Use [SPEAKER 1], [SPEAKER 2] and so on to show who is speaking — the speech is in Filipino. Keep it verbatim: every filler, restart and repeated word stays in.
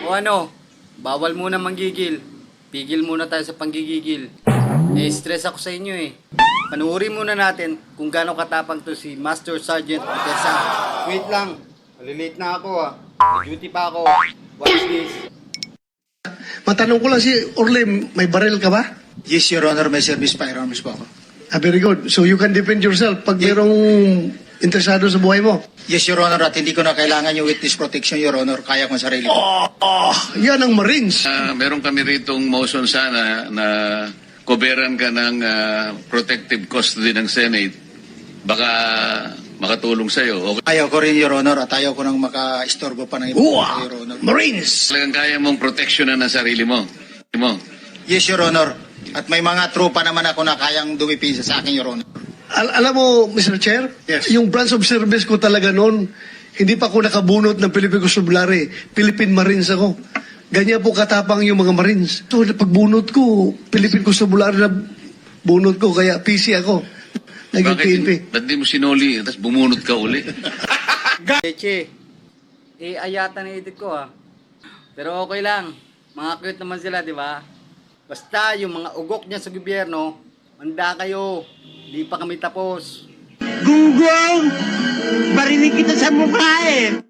[SPEAKER 1] O ano, bawal muna manggigil. Pigil muna tayo sa panggigigil. Eh-stress ako sa inyo eh. Panuorin muna natin kung gaano katapang to si Master Sergeant Tessa. Wait lang, malilate na ako ah. May duty pa ako. Watch this.
[SPEAKER 2] Matanong ko lang si Orle, may baril ka ba?
[SPEAKER 3] Yes, Your Honor, may service firearms po ako.
[SPEAKER 2] Ah, very good. So you can defend yourself pag merong interesado sa buhay mo.
[SPEAKER 3] Yes, Your Honor, at hindi ko na kailangan yung witness protection, Your Honor. Kaya ko ang sarili ko.
[SPEAKER 2] Oh, oh, yan ang Marines.
[SPEAKER 4] Uh, meron kami ritong motion sana na koberan ka ng ah, protective custody ng Senate. Baka makatulong sa'yo. Okay.
[SPEAKER 3] Ayaw ko rin, Your Honor, at ayaw ko nang maka-istorbo pa ng iba,
[SPEAKER 2] Uwa!
[SPEAKER 3] Your Honor.
[SPEAKER 2] Marines!
[SPEAKER 4] Talagang kaya mong proteksyonan ang sarili mo. mo.
[SPEAKER 3] Yes, Your Honor. At may mga tropa naman ako na kayang dumipisa sa akin, Your Honor.
[SPEAKER 2] Al- alam mo, Mister Chair,
[SPEAKER 3] Yes.
[SPEAKER 2] yung branch of service ko talaga noon, hindi pa ako nakabunot ng Philippine Constabulary. Philippine Marines ako. Ganyan po katapang yung mga Marines. So, pagbunot ko, Philippine Constabulary na bunot ko, kaya P C ako. Naging
[SPEAKER 4] Bakit
[SPEAKER 2] P N P.
[SPEAKER 4] ba't di mo sinuli tapos bumunot ka uli?
[SPEAKER 1] Cheche, eh ayata na edit ko ah. Pero okay lang. Mga cute naman sila, di ba? Basta yung mga ugok niya sa gobyerno, manda kayo. Di pa kami tapos.
[SPEAKER 5] Gunggong! Barinig kita sa mukha eh!